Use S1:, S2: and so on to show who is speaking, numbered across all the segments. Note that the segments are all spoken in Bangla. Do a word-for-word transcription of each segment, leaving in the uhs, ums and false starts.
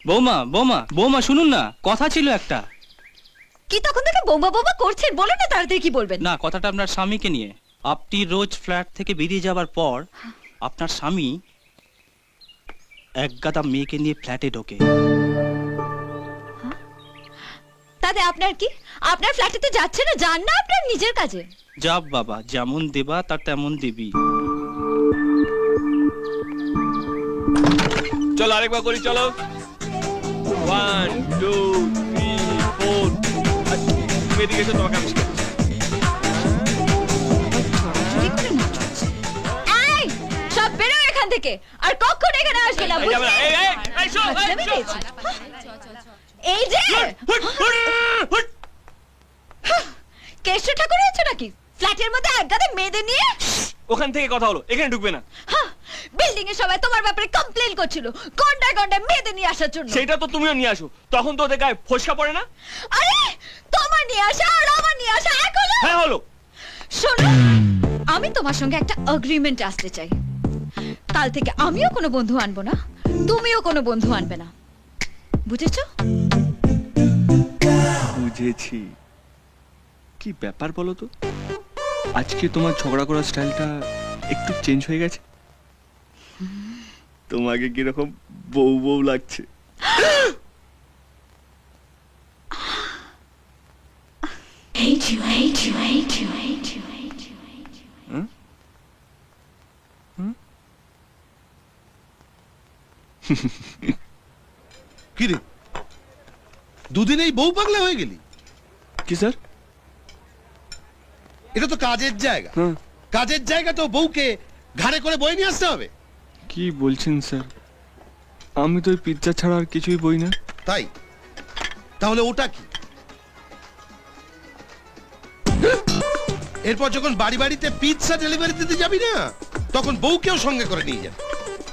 S1: বৌমা বৌমা বৌমা শুনুন না, কথা ছিল একটা।
S2: কি তখন থেকে বোমা বোমা করছেন? বলেন না তাড়াতাড়ি কি বলবেন।
S1: না, কথাটা আপনার স্বামীকে নিয়ে। আপনি রোজ ফ্ল্যাট থেকে বেরিয়ে যাবার পর আপনার স্বামী এক গাদা মেয়েকে নিয়ে ফ্ল্যাটে ঢোকে।
S2: তাতে আপনার কি? আপনার ফ্ল্যাটেতে যাচ্ছে না, যান না আপনার নিজের কাজে।
S1: যাব বাবা, যেমন দেবা তার তেমন দেবী।
S3: চলো আরেকবার করি, চলো। One two three four. তুমি এদিকে এসো, তোমাকে আমি শেখাচ্ছি।
S2: এই সব বেরো এখান থেকে, আর কখনো এখানে আসবে না, বুঝলে?
S3: এই, এই, এই, শো, এই,
S2: আজলামি
S3: শো।
S2: পেয়েছি। এই যে
S3: হুট, হুট, হুট।
S2: কেষ্ট ঠাকুর হয়েছে নাকি ফ্ল্যাটের মধ্যে এক গাদা মেয়েদের নিয়ে?
S3: ওখান থেকে কথা হলো, এখানে ঢুকবে না।
S2: বিল্ডিং এ সবাই তোমার ব্যাপারে কমপ্লেইন করছিল, গন্ডায় গন্ডায় মেয়েদের নিয়ে আসার জন্য।
S3: সেটা তো তুমিও নিয়ে আসো, তখন তো ওদের গায়ে ফসকা পড়ে না।
S2: আরে তোমার নিয়ে আসা আর আমার নিয়ে আসা এক হলো?
S3: হ্যাঁ হলো।
S2: শোনো, আমি তোমার সঙ্গে একটা এগ্রিমেন্ট আসতে চাই। কাল থেকে আমিও কোনো বন্ধু আনবো না, তুমিও কোনো বন্ধু আনবে না, বুঝেছো?
S3: বুঝেছি। কি ব্যাপার বলো তো, আজকে তোমার ঝগড়া করার স্টাইলটা একটু চেঞ্জ হয়ে গেছে। তোমাকে কিরকম বউ বউ লাগছে।
S2: Hate you, hate you, hate you, hate you, hate you, hate you.
S3: হুম? হুম?
S4: কি রে, দুদিনেই বউ পাগলা হয়ে গেলি?
S3: কি স্যার?
S4: এটা তো কাজের জায়গা,
S3: হ্যাঁ।
S4: কাজের জায়গা তো বউকে ঘাড়ে করে বয়ে নিয়ে আসতে হবে।
S3: কি বলছেন স্যার? আমি তো পিৎজা ছাড়া আর কিছুই বই না।
S4: তাই? তাহলে ওটা কি? এরপর যখন বাড়ি বাড়িতে পিৎজা ডেলিভারি দিতে যাবি না, তখন বউকেও সঙ্গে করে নিয়ে যাবি।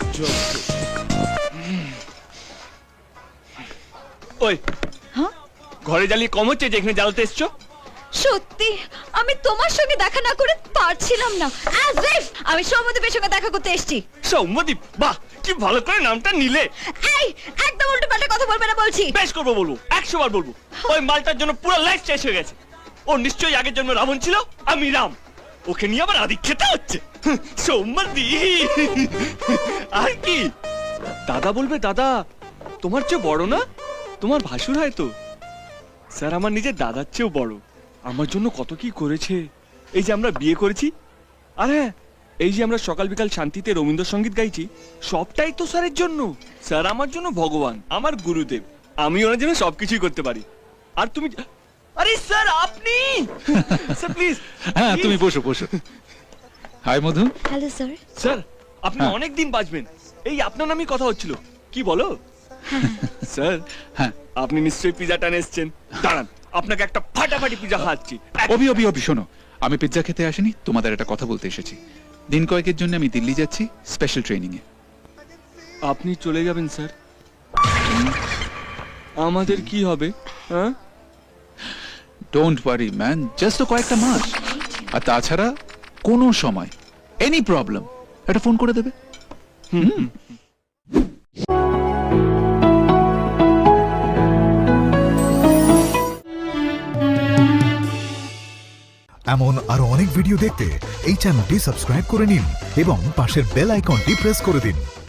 S3: ওই
S2: হ্যাঁ?
S3: ঘরে জ্বালিয়ে কম হচ্ছে যে এখানে জ্বালাতে এসছো?
S2: সত্যি আমি তোমার সঙ্গে দেখা না করে পারছিলাম না। As if আমি সৌম্যদীপের সঙ্গে দেখা করতে এসেছি।
S3: সৌম্যদীপ, বাহ কি ভালো করে নামটা নিলে।
S2: এই একদম উল্টো পাল্টা কথা বলবে না বলছি।
S3: বেশ করবো, বলবো, একশো বার বলবো। ওই মালটার জন্য পুরো লাইফ শেষ হয়ে গেছে। ও নিশ্চয়ই আগের জন্য রাবণ ছিল, আমি রাম। ওকে নিয়ে আবার আদি খেতে হচ্ছে। সৌম্যদীপ আর কি? দাদা বলবে দাদা, তোমার চেয়ে বড় না? তোমার ভাসুর হয় তো। স্যার আমার নিজের দাদার চেয়েও বড়, আমার জন্য কত কি করেছে। এই যে আমরা বিয়ে করেছি, আর হ্যাঁ এই যে আমরা সকাল বিকাল শান্তিতে রবীন্দ্রসঙ্গীত গাইছি, সবটাই তো স্যারের জন্য। স্যার আমার জন্য ভগবান, আমার গুরুদেব। আমি ওনার জন্য সবকিছুই করতে পারি। আর তুমি, আরে স্যার আপনি, স্যার প্লিজ।
S5: হ্যাঁ তুমি বসো বসো। Hi Madhu.
S2: Hello sir.
S3: Sir আপনি
S5: হ্যাঁ।
S3: অনেক দিন বাঁচবেন, এই আপনার নামই কথা হচ্ছিল। কি বলো স্যার?
S5: হ্যাঁ
S3: আপনি নিশ্চয়ই পিজা টান এসছেন। দাঁড়ান, আপনাকে একটা ফাটাফাটি পিজা খাওয়াচ্ছি।
S5: অভি অভি অভি শোনো, আমি পিৎজা খেতে আসিনি, তোমাদের একটা কথা বলতে এসেছি। দিন কয়েকের জন্য আমি দিল্লি যাচ্ছি স্পেশাল ট্রেনিং এ।
S3: আপনি চলে যাবেন স্যার? আমাদের কি হবে? হ্যাঁ,
S5: ডোন্ট ওয়ারি ম্যান, জাস্ট তো কয়েকটা মাস। আর তাছাড়া কোনো সময় এনি প্রবলেম একটা ফোন করে দেবে। হুম।
S6: এমন আরো অনেক ভিডিও দেখতে এই চ্যানেলটি সাবস্ক্রাইব করে নিন এবং পাশের বেল আইকনটি প্রেস করে দিন।